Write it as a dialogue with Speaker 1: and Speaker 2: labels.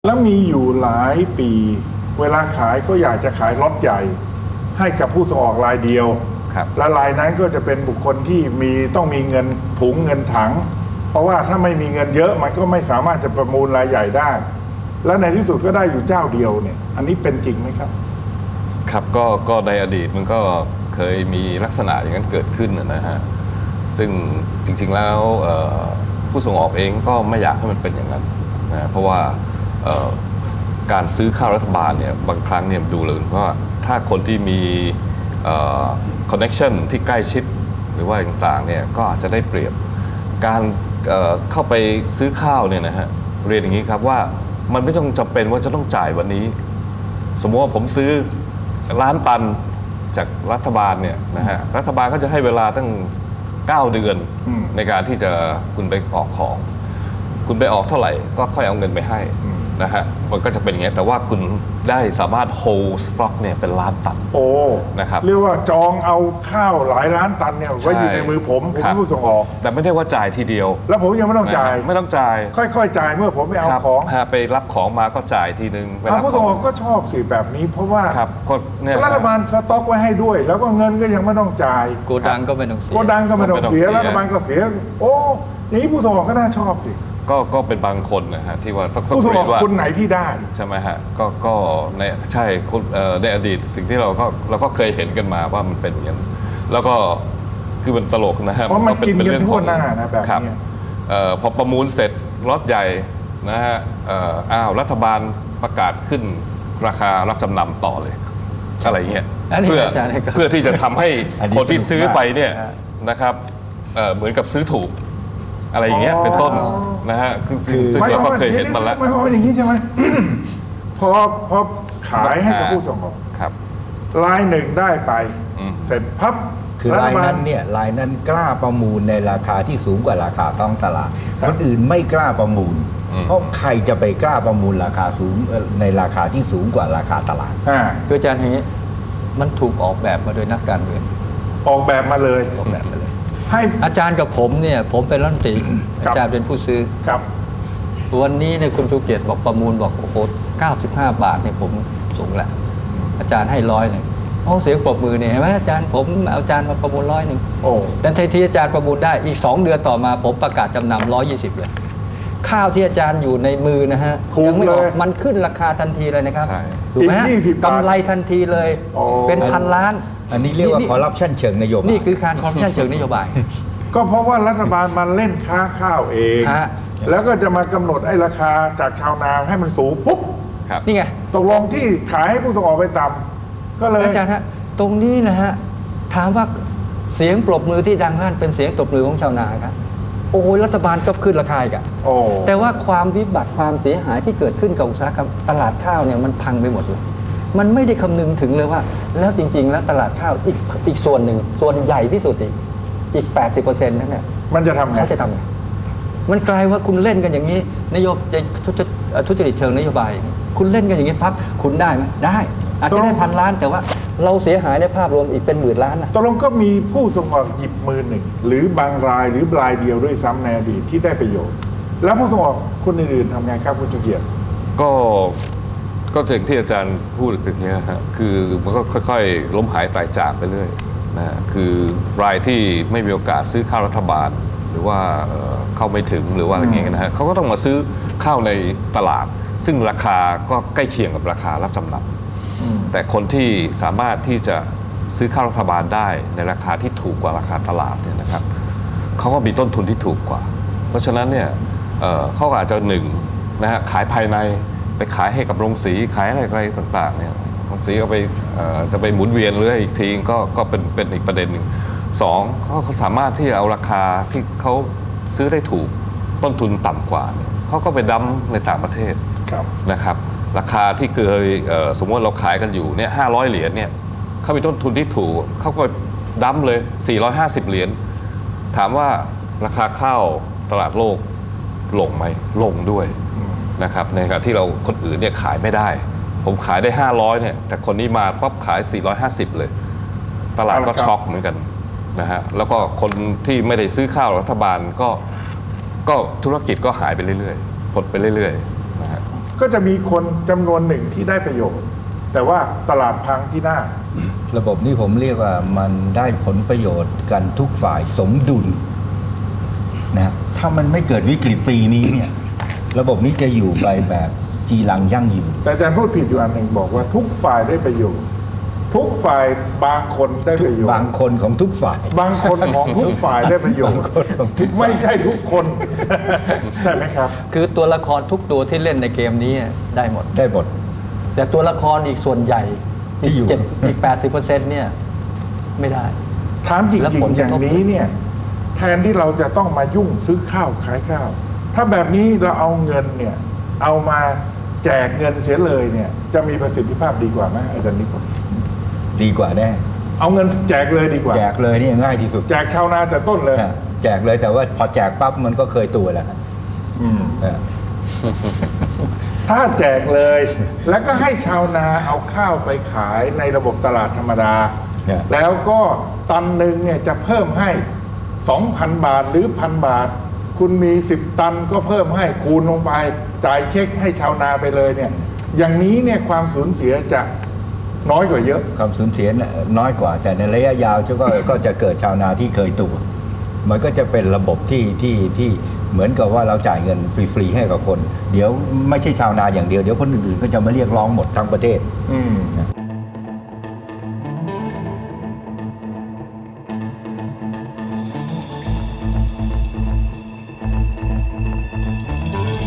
Speaker 1: แล้วมีอยู่หลายปีเวลาขายก็อยากจะขายล็อตใหญ่ให้กับผู้ส่งออกรายเดียวและรายนั้นก็จะเป็นบุคคลที่ต้องมีเงินถุงเงินถังเพราะว่าถ้าไม่มีเงินเยอะมันก็ไม่สามารถจะประมูลรายใหญ่ได้และในที่สุดก็ได้อยู่เจ้าเดียวเนี่ยอันนี้เป็นจริงไหมครับ
Speaker 2: ครับก็ในอดีตมันก็เคยมีลักษณะอย่างนั้นเกิดขึ้นนะฮะซึ่งจริงๆแล้วผู้ส่งออกเองก็ไม่อยากให้มันเป็นอย่างนั้นนะเพราะว่าการซื้อข้าวรัฐบาลเนี่ยบางครั้งเนี่ยดูเลยว่าถ้าคนที่มีคอนเนคชั่นที่ใกล้ชิดหรือว่าต่างๆเนี่ยก็อาจจะได้เปรียบการเข้าไปซื้อข้าวเนี่ยนะฮะเรียนอย่างนี้ครับว่ามันไม่ต้องจำเป็นว่าจะต้องจ่ายวันนี้สมมติว่าผมซื้อล้านตันจากรัฐบาลเนี่ยนะฮะรัฐบาลก็จะให้เวลาตั้ง9 เดือนในการที่จะคุณไปออกของคุณไปออกเท่าไหร่ก็ค่อยเอาเงินไปให้นะฮะมันก็จะเป็นอย่างนี้แต่ว่าคุณได้สามารถ hold stock เนี่ยเป็นล้านตันนะครับ
Speaker 1: เรียกว่าจองเอาข้าวหลายล้านตันเนี่ยไว้อยู่ในมือผมเป็นผู้ส่งออก
Speaker 2: แต่ไม่ได้ว่าจ่ายทีเดียว
Speaker 1: แล้วผมยังไม่ต้องจ่ายค่อยๆจ่ายเมื่อผมไปเอาของ
Speaker 2: ไปรับของมาก็จ่ายทีนึง
Speaker 1: ผู้ส่งออกก็ชอบสิแบบนี้เพราะว่ารัฐบาลสต็อกไว้ให้ด้วยแล้วก็เงินก็ยังไม่ต้องจ่าย
Speaker 3: โกดังก็ไม่ต้องเสีย
Speaker 1: รัฐบาลก็เสียอย่างนี้ผู้ส่งออกก็น่าชอบสิ
Speaker 2: ก็เป็นบางคนนะฮะที่ว่าต้อง
Speaker 1: ผู้ส่งออกคนไหนที่ได้
Speaker 2: ใช่ไหมฮะก็ในใช่ในอดีตสิ่งที่เราก็เคยเห็นกันมาว่ามันเป็นอย่างนั้นแล้วก็คือมันตลกนะฮะ
Speaker 1: เพราะมันกินกันทั่วหน้านะแบบนี้
Speaker 2: พอประมูลเสร็จล็อตใหญ่นะฮะรัฐบาลประกาศขึ้นราคารับจำนำต่อเลยอะไรเงี้ยเพื่อที่จะทำให้คนที่ซื้อไปเนี่ยนะครับเหมือนกับซื้อถูกอะไรอย่างเงี้ยเป็นต้นนะฮะซึ่งเราก็เคยเห็นมาแล้ว
Speaker 1: ไม่พออย่างนี้ใช่ไหมพอขายให้กับผู้ส่งออกรายหนึ่งได้ไปเสร็จพับ
Speaker 4: คือรายนั้นกล้าประมูลในราคาที่สูงกว่าราคาท้องตลาดคนอื่นไม่กล้าประมูลเพราะใครจะไปกล้าประมูลราคาสูงในราคาที่สูงกว่าราคาตลาด
Speaker 3: คืออาจารย์อย่างนี้มันถูกออกแบบมาโดยนักการเมือง
Speaker 1: ออกแบบมาเลย
Speaker 3: ให้อาจารย์กับผมเนี่ยผมเป็นรัฐมนตรีอาจารย์เป็นผู้ซื้อ
Speaker 1: ครับ
Speaker 3: วันนี้เนี่ยคุณชูเกียรติบอกประมูลบอกโอ้โห95 บาทเนี่ยผมสูงแหละอาจารย์ให้100เลยเสียงปรบมือเนี่ยเห็นไหมอาจารย์ผมเอาอาจารย์มาประมูล100แต่ทันทีอาจารย์ประมูลได้อีก2 เดือนต่อมาผมประกาศจำนำ120เลยข้าวที่อาจารย์อยู่ในมือนะฮะยังไม่ออกมันขึ้นราคาทันทีเลยนะครับถูกไหมกำไรทันทีเลยเป็น1,000 ล้าน
Speaker 4: อันนี้เรียกว่าคอร์รัปชันเชิงนโยบาย
Speaker 3: นี่คือการคอร์รัปชันเชิงนโยบาย
Speaker 1: ก็เพราะว่ารัฐบาลมันเล่นค้าข้าวเองแล้วก็จะมากำหนดไอ้ราคาจากชาวนาให้มันสูงปุ๊บ
Speaker 3: นี่ไง
Speaker 1: ตกลงที่ขายให้ผู้ส่งออกไปต่ำก็เลย
Speaker 3: อาจารย์ฮะตรงนี้นะฮะถามว่าเสียงปรบมือที่ดังลั่นเป็นเสียงตบมือของชาวนาครับโอ้ยรัฐบาลก็ขึ้นราคาอีกอ่ะแต่ว่าความวิบัติความเสียหายที่เกิดขึ้นกับอุตสาหกรรมตลาดข้าวเนี่ยมันพังไปหมดเลยมันไม่ได้คำนึงถึงเลยว่าแล้วจริงๆแล้วตลาดข้าวอีกส่วนหนึ่งส่วนใหญ่ที่สุดอีก 80% นั่นแหละ
Speaker 1: มันจะทำไง
Speaker 3: เขาจะทำไงมันกลายว่าคุณเล่นกันอย่างนี้นโยบายทุจริตเชิงนโยบายคุณเล่นกันอย่างนี้พับคุณได้ไหมได้อาจจะได้1,000 ล้านแต่ว่าเราเสียหายในภาพรวมอีกเป็น10,000 ล้านนะ
Speaker 1: ตกลงก็มีผู้ส่งออกหยิบมือหนึ่งหรือบางรายหรือรายเดียวด้วยซ้ำในอดีตที่ได้ประโยชน์แล้วผู้ส่งออกคนอื่นๆทำไงครับคุณชูเกียรติ
Speaker 2: ก็อย่างที่อาจารย์พูดอย่างนี้ฮะคือมันก็ค่อยๆล้มหายตายจากไปเรื่อยนะคือรายที่ไม่มีโอกาสซื้อข้าวรัฐบาลหรือว่าเข้าไม่ถึงหรือว่าอะไรเงี้ยนะฮะเขาก็ต้องมาซื้อข้าวในตลาดซึ่งราคาก็ใกล้เคียงกับราคารับจำนำแต่คนที่สามารถที่จะซื้อข้าวรัฐบาลได้ในราคาที่ถูกกว่าราคาตลาดเนี่ยนะครับเขาก็มีต้นทุนที่ถูกกว่าเพราะฉะนั้นเนี่ยเขาอาจจะนะฮะขายภายในไปขายให้กับโรงสีขายอะไรต่างๆเนี่ยโรงสีก็ไปจะไปหมุนเวียนเรื่อยอีกทีก็เป็นอีกประเด็นหนึ่ง2เขาสามารถที่จะเอาราคาที่เขาซื้อได้ถูกต้นทุนต่ำกว่าเขาก็ไปดั้มในต่างประเทศนะครับราคาที่เคยสมมติเราขายกันอยู่เนี่ย500 เหรียญเนี่ยเขามีต้นทุนที่ถูกเขาก็ดั้มเลย450 เหรียญถามว่าราคาข้าวตลาดโลกลงไหมลงด้วยนะครับในขณะที่เราคนอื่นเนี่ยขายไม่ได้ผมขายได้500เนี่ยแต่คนนี้มาปั๊บขาย450เลยตลาดก็ช็อกเหมือนกันนะฮะแล้วก็คนที่ไม่ได้ซื้อข้าวรัฐบาลก็ธุรกิจก็หายไปเรื่อยๆผลไปเรื่อยๆนะฮะ
Speaker 1: ก็จะมีคนจำนวนหนึ่งที่ได้ประโยชน์แต่ว่าตลาดพังที่หน้า
Speaker 4: ระบบนี้ผมเรียกว่ามันได้ผลประโยชน์กันทุกฝ่ายสมดุลนะถ้ามันไม่เกิดวิกฤตปีนี้เนี่ยระบบนี้จะอยู่ไปแบบจีรังยั่งยืน
Speaker 1: แต่อาจารย์พูดผิดอยู่อันหนึ่งบอกว่าทุกฝ่ายได้ประโยชน์ทุกฝ่ายบางคนได้ประโยชน์
Speaker 4: บางคนของทุกฝ่าย
Speaker 1: บางคนของทุกฝ่ายได้ประโยชน์
Speaker 4: บางคนของทุกฝ่าย
Speaker 1: ไม่ใช่ทุกคน ใช่ไหมครับ
Speaker 3: คือตัวละครทุกตัวที่เล่นในเกมนี้ได้หมด
Speaker 4: ได้หมด
Speaker 3: แต่ตัวละครอีกส่วนใหญ่
Speaker 4: ที่อยู่
Speaker 3: อีก 80%เนี่ยไม่ได้
Speaker 1: ถามจ
Speaker 3: แล้ว
Speaker 1: ริง
Speaker 3: ผล
Speaker 1: ๆ อย่างนี้เนี่ยแทนที่เราจะต้องมายุ่งซื้อข้าวขายข้าว ถ้าแบบนี้เราเอาเงินเนี่ยเอามาแจกเงินเสียเลยเนี่ยจะมีประสิทธิภาพดีกว่าไหมอาจารย์นิพนธ์
Speaker 4: ดีกว่าแน่
Speaker 1: เอาเงินแจกเลยดีกว่า
Speaker 4: แจกเลยนี่ง่ายที่สุด
Speaker 1: แจกชาวนาแต่ต้นเลย
Speaker 4: แจกเลยแต่ว่าพอแจกปั๊บมันก็เคยตัวแล้วฮะ
Speaker 1: อืม
Speaker 4: เออ
Speaker 1: ถ้าแจกเลย แล้วก็ให้ชาวนาเอาข้าวไปขายในระบบตลาดธรรมดา
Speaker 4: เนี่ย
Speaker 1: แล้วก็ตันหนึ่งเนี่ยจะเพิ่มให้ 2,000 บาทหรือ 1,000 บาท คุณมี 10 ตันก็เพิ่มให้คูณลงไป จ่ายเช็คให้ชาวนาไปเลยเนี่ย อย่างนี้เนี่ยความสูญเสียจะน้อยกว่าเยอะ
Speaker 4: ความสูญเสียน่ะน้อยกว่า แต่ในระยะยาวก็จะเกิดชาวนาที่เคยตัว มันก็จะเป็นระบบที่เหมือนกับว่าเราจ่ายเงินฟรีๆให้กับคน เดี๋ยวไม่ใช่ชาวนาอย่างเดียวเดี๋ยวคนอื่นๆก็จะมาเรียกร้องหมดทั้งประเทศ
Speaker 1: อืม